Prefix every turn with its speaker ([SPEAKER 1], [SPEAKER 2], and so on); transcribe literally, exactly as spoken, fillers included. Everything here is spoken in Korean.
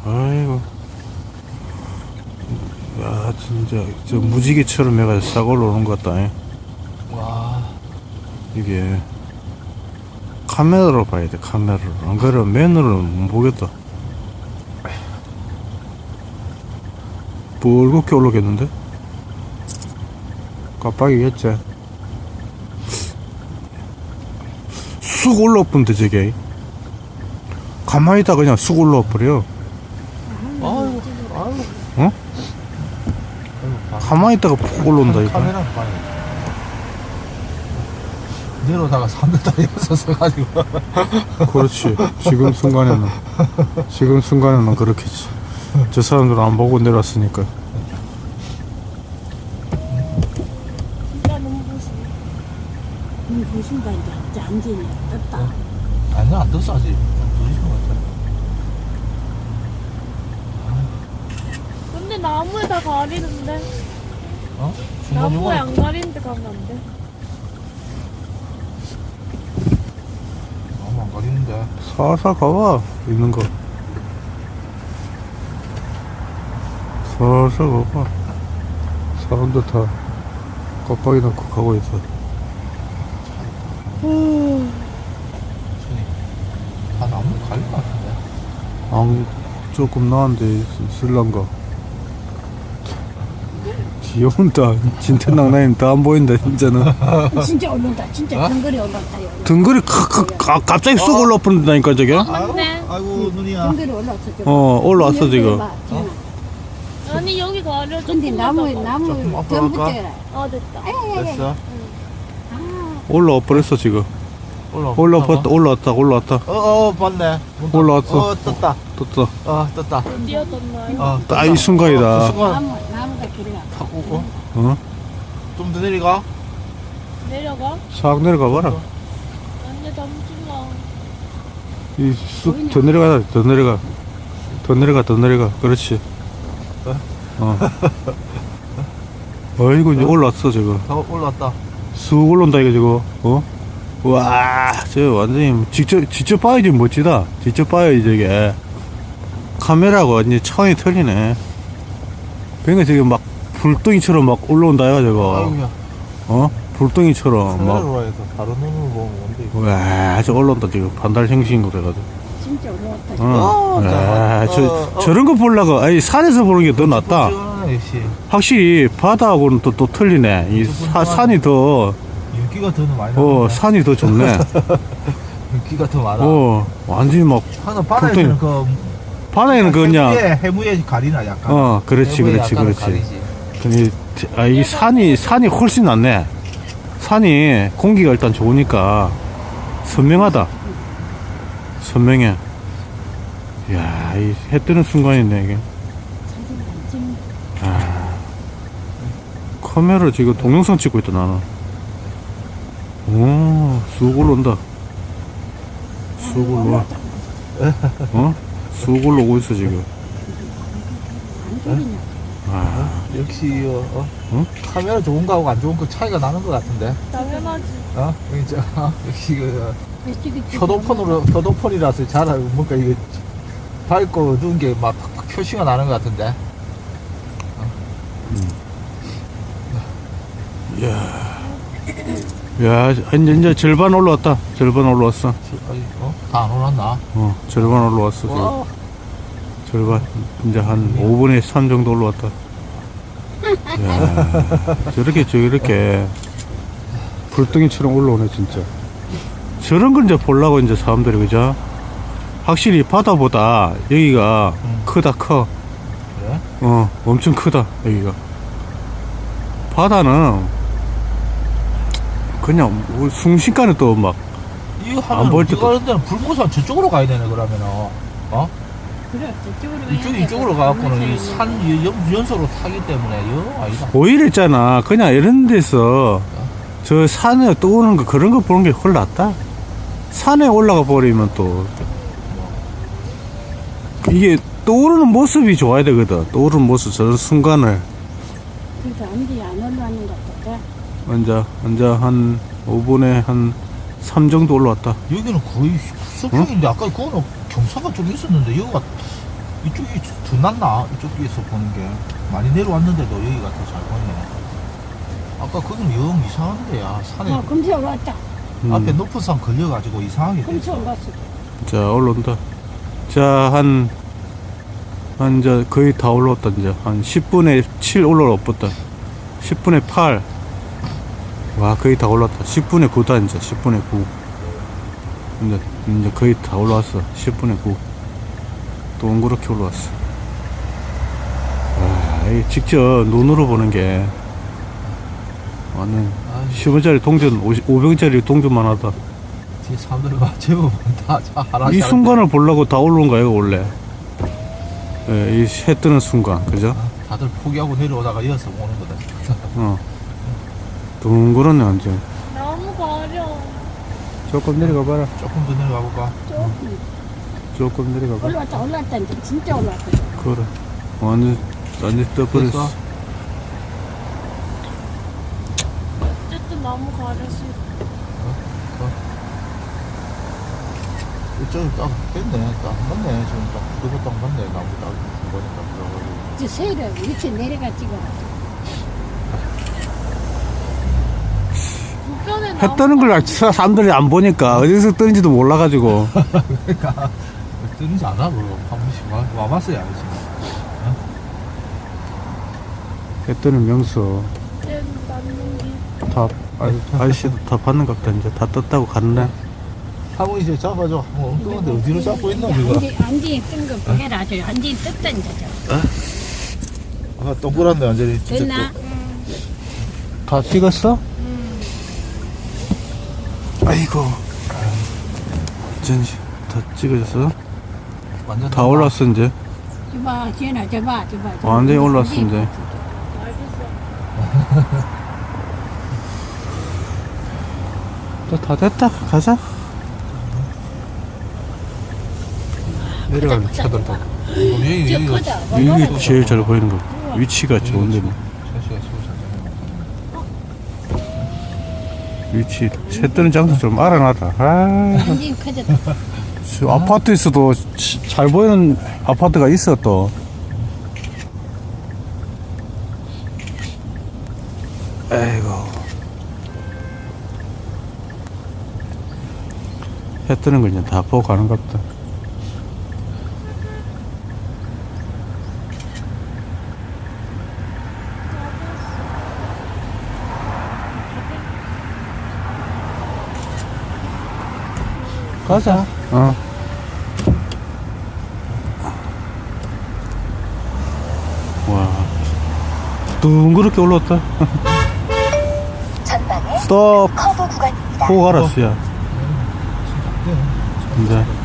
[SPEAKER 1] 아이고. 야, 진짜, 저 무지개처럼 내가 싹 올라오는 것 같다. 잉?
[SPEAKER 2] 와.
[SPEAKER 1] 이게, 카메라로 봐야 돼, 카메라로. 안 그러면 맨으로는 못 보겠다. 뻘겋게 올라오겠는데? 깜빡이겠지? 쑥 올라오던데, 저게. 가만히 있다 그냥 쑥 올라와버려.
[SPEAKER 2] 아유, 아유.
[SPEAKER 1] 어? 가만히 있다가 푹 올라온다, 이거.
[SPEAKER 2] 카메라는 봐요. 내려다가 삼 미터에 서서가지고.
[SPEAKER 1] 그렇지. 지금 순간에는. 지금 순간에는 그렇겠지. 저 사람들은 안 보고 내려왔으니까.
[SPEAKER 3] 진짜 너무 보시네. 음, 보신다, 이제. 완전히 떴다.
[SPEAKER 2] 아니, 안 떴어, 아직. 더 있는 것 같아.
[SPEAKER 3] 근데 나무에 다 가리는데.
[SPEAKER 2] 어?
[SPEAKER 3] 나무에 안 가리는데 가면 안 돼.
[SPEAKER 2] 너무 안 가리는데.
[SPEAKER 1] 살살 가봐. 있는 거. 살살 가봐. 사람들 다 깜빡이 넣고 가고 있어.
[SPEAKER 2] 손이. 다 나무 가릴 것 같은데.
[SPEAKER 1] 안, 조금 나은데 있을란가. 귀여운다. 진태낭나인 다 안 보인다, 진짜는.
[SPEAKER 3] 진짜 올라온다. 진짜 등거리 올라온다. 여기.
[SPEAKER 1] 등거리 카, 카, 카, 갑자기 쑥 올라오는다니까, 저게.
[SPEAKER 3] 맞네.
[SPEAKER 2] 아이고, 눈이야.
[SPEAKER 3] 등거리 올라왔어. 저거.
[SPEAKER 1] 어, 올라왔어, 지금.
[SPEAKER 3] 봐, 지금. 아니, 여기 가려.
[SPEAKER 4] 근데 나무
[SPEAKER 2] 조금
[SPEAKER 4] 나무
[SPEAKER 2] 앞으로
[SPEAKER 4] 좀
[SPEAKER 2] 갈까?
[SPEAKER 4] 붙여라.
[SPEAKER 3] 아, 됐다.
[SPEAKER 2] 됐어.
[SPEAKER 1] 올라와 버렸어, 지금.
[SPEAKER 2] 올라.
[SPEAKER 1] 올라왔다, 올라왔다, 올라왔다.
[SPEAKER 2] 어, 어, 봤네.
[SPEAKER 1] 올라왔어.
[SPEAKER 2] 어, 떴다.
[SPEAKER 1] 떴다.
[SPEAKER 2] 어, 떴다.
[SPEAKER 3] 뛰어졌나요?
[SPEAKER 2] 어, 떴다.
[SPEAKER 1] 딱 이 순간이다.
[SPEAKER 2] 그 순간.
[SPEAKER 4] 나무 나무가 길어가.
[SPEAKER 2] 탁 오고.
[SPEAKER 1] 어?
[SPEAKER 2] 좀 더 내려가.
[SPEAKER 3] 내려가?
[SPEAKER 1] 싹 내려가 봐라.
[SPEAKER 3] 아니, 잠시만.
[SPEAKER 1] 이 쑥 더 내려가, 더 내려가. 더 내려가, 더 내려가. 그렇지. 어. 어이구, 이제 올라왔어, 저거.
[SPEAKER 2] 더 올라왔다.
[SPEAKER 1] 쑥 올라온다, 이거, 저거. 어? 와, 저 완전히, 직접, 직접 봐야지 멋지다. 직접 봐야지, 저게. 카메라가 완전히 차원이 틀리네. 그러니까 저게 막, 불덩이처럼 막 올라온다, 이거, 저거.
[SPEAKER 2] 아이고야.
[SPEAKER 1] 어? 불덩이처럼 막.
[SPEAKER 2] 카메라로 해서 다른 눈으로 보면 뭔데 이거.
[SPEAKER 1] 와, 저 올라온다, 지금. 반달 형식인 거래가지고.
[SPEAKER 4] 진짜 올라왔다.
[SPEAKER 1] 어.
[SPEAKER 2] 어,
[SPEAKER 1] 야,
[SPEAKER 2] 자,
[SPEAKER 1] 저,
[SPEAKER 2] 어, 어.
[SPEAKER 1] 저런 거 보려고, 아니, 산에서 보는 게 더 낫다.
[SPEAKER 2] 찌뿌찌뿌하네, 역시.
[SPEAKER 1] 확실히 바다하고는 또, 또 틀리네. 이 사, 산이 더,
[SPEAKER 2] 윤기가 더 많이
[SPEAKER 1] 어,
[SPEAKER 2] 나네.
[SPEAKER 1] 산이 더 좋네.
[SPEAKER 2] 윤기가 더 많아.
[SPEAKER 1] 어, 완전히 막,
[SPEAKER 2] 하나 바다에는 그
[SPEAKER 1] 바다에는 그 그냥,
[SPEAKER 2] 해무에, 해무에 가리나 약간.
[SPEAKER 1] 어, 그렇지,
[SPEAKER 2] 해무에
[SPEAKER 1] 그렇지,
[SPEAKER 2] 약간은
[SPEAKER 1] 그렇지.
[SPEAKER 2] 가리지.
[SPEAKER 1] 근데, 아, 이 산이, 산이 훨씬 낫네. 산이 공기가 일단 좋으니까 선명하다. 선명해. 이야, 이 해 뜨는 순간이네, 이게. 아, 카메라 지금 동영상 찍고 있다, 나는. 오, 쑥 올라온다. 쑥 올라와. 어? 쑥 올라오고 있어, 지금. 아,
[SPEAKER 2] 역시 어, 어?
[SPEAKER 1] 응?
[SPEAKER 2] 카메라 좋은 거하고 안 좋은 거 차이가 나는 것 같은데.
[SPEAKER 3] 당연하지.
[SPEAKER 2] 어? 여기 저, 어? 역시 그 효도폰으로 효도폰이라서 잘 알고 뭔가 이게 밝고 어두운 게 막 표시가 나는 것 같은데.
[SPEAKER 1] 야, 이제, 이제 절반 올라왔다. 절반 올라왔어.
[SPEAKER 2] 어? 다 안 올랐나?
[SPEAKER 1] 어, 절반 올라왔어, 지금.
[SPEAKER 2] 와,
[SPEAKER 1] 절반. 이제 한 오분의 삼 정도 올라왔다. 야, 저렇게, 저렇게. 불덩이처럼 올라오네, 진짜. 저런 걸 이제 보려고, 이제 사람들이, 그죠? 확실히 바다보다 여기가
[SPEAKER 2] 음.
[SPEAKER 1] 크다, 커.
[SPEAKER 2] 그래?
[SPEAKER 1] 어, 엄청 크다, 여기가. 바다는 그냥 뭐 순식간에 또 막,
[SPEAKER 2] 이거
[SPEAKER 1] 안
[SPEAKER 2] 하면
[SPEAKER 1] 보일
[SPEAKER 2] 이거
[SPEAKER 1] 때도-
[SPEAKER 2] 하는 데는 불고산 저쪽으로 가야 되네 그러면은. 어?
[SPEAKER 4] 그래 저쪽으로
[SPEAKER 2] 이쪽 이쪽으로 가갖고는 이 산 연, 연소로 타기 때문에 영 아니다.
[SPEAKER 1] 오히려 있잖아. 그냥 이런 데서 저 산에 떠오르는 거 그런 거 보는 게 훨 낫다. 산에 올라가 버리면 또 이게 떠오르는 모습이 좋아야 되거든. 떠오르는 모습, 저런 순간을.
[SPEAKER 4] 그래서 안지 안 올라왔는 것 같아.
[SPEAKER 1] 먼저, 먼저 한 오 분에 한 삼 정도 올라왔다.
[SPEAKER 2] 여기는 거의 수평인데 아까 그거는 경사가 좀 있었는데 여기가 이쪽이 더 낫나? 이쪽에서 보는 게 많이 내려왔는데도 여기가 더 잘 보이네. 아까 거기는 영 이상한데 야 산에
[SPEAKER 4] 어, 금세 올라왔다.
[SPEAKER 1] 음.
[SPEAKER 2] 앞에 높은 산 걸려가지고 이상하게
[SPEAKER 4] 금세
[SPEAKER 2] 됐어.
[SPEAKER 4] 올라왔어.
[SPEAKER 1] 자, 올라온다. 자, 한, 한, 이제 거의 다 올라왔다, 이제. 한 십 분의 칠 올라왔다. 십 분의 팔. 와, 거의 다 올라왔다. 십 분의 구다, 이제. 십 분의 구. 이제, 이제 거의 다 올라왔어. 십 분의 구. 동그랗게 올라왔어. 와, 이 직접 눈으로 보는 게, 완전,
[SPEAKER 2] 아,
[SPEAKER 1] 십 원짜리 동전, 오백 원짜리 동전만 하다.
[SPEAKER 2] 뒤에 사람들 봐 제법 다 하나씩
[SPEAKER 1] 이
[SPEAKER 2] 하는데.
[SPEAKER 1] 순간을 보려고 다 올라온 거예요, 원래. 예, 이 해 뜨는 순간, 그죠?
[SPEAKER 2] 아, 다들 포기하고 내려오다가 이어서 오는 거다.
[SPEAKER 1] 어. 둥그렇네, 완전.
[SPEAKER 3] 너무 가려.
[SPEAKER 1] 조금 내려가 봐라.
[SPEAKER 2] 조금 더 내려가 볼까?
[SPEAKER 4] 조금
[SPEAKER 1] 조금 내려가 봐.
[SPEAKER 4] 올라왔다, 올라왔다. 이제 진짜 올라왔다.
[SPEAKER 1] 그래. 완전, 완전 떠버렸어.
[SPEAKER 2] 됐어?
[SPEAKER 3] 어쨌든 너무 가렸어.
[SPEAKER 2] 이쪽이 딱 됐네. 딱 맞네. 지금 딱 그거 딱 맞네. 나무 딱 보니까 들어가지고.
[SPEAKER 4] 이제 새를 밑에 내려가 찍어.
[SPEAKER 3] 불편해.
[SPEAKER 1] 해 뜨는 걸 사- 사람들이 안 보니까 어디서 뜨는지도 몰라가지고.
[SPEAKER 2] 그러니까 뜨는지 안 하고 한 번씩 와, 와봤어야 알지.
[SPEAKER 1] 해 뜨는 명수.
[SPEAKER 3] 맞는 게.
[SPEAKER 1] 다, 아, 아저씨도 다 받는 것 같다. 이제 다 떴다고 갔네.
[SPEAKER 2] 한번 이제 잡아줘. 뭐 엉뚱한데 어디로 잡고 있나 이거?
[SPEAKER 4] 안지, 안지 뜬거 보게라. 저 안지 떴다, 이제 저.
[SPEAKER 2] 아 동그랗네 완전히. 진짜
[SPEAKER 4] 됐나?
[SPEAKER 1] 다 찍었어? 아이고. 전지 다 찍어졌어?
[SPEAKER 2] 또 완전
[SPEAKER 1] 다 올랐어, 이제.
[SPEAKER 4] 저봐, 지현아, 저봐, 저봐. 저봐.
[SPEAKER 1] 완전히 올랐어, 이제.
[SPEAKER 3] 알겠어.
[SPEAKER 1] 또 다 됐다. 가자. 내려가면 차들다.
[SPEAKER 2] 여기
[SPEAKER 4] 저
[SPEAKER 2] 여기가
[SPEAKER 4] 크다.
[SPEAKER 1] 여기 제일 잘 보이는 거. 위치가 좋은데 뭐.
[SPEAKER 2] 천시가 시고
[SPEAKER 1] 위치 새 뜨는 장소 좀 알아놔라. 아,
[SPEAKER 4] 안지 커졌다.
[SPEAKER 1] 저 아파트에서도 치- 잘 보이는 아파트가 있어 또. 아이고. 해 뜨는 걸 이제 다 보고 가는 것 같다. 가자. 어. 와. 둥그렇게 올라왔다.
[SPEAKER 5] 전방에
[SPEAKER 1] 스톱.
[SPEAKER 5] 커브 구간입니다.
[SPEAKER 1] 보고 알았어, 야. 이제.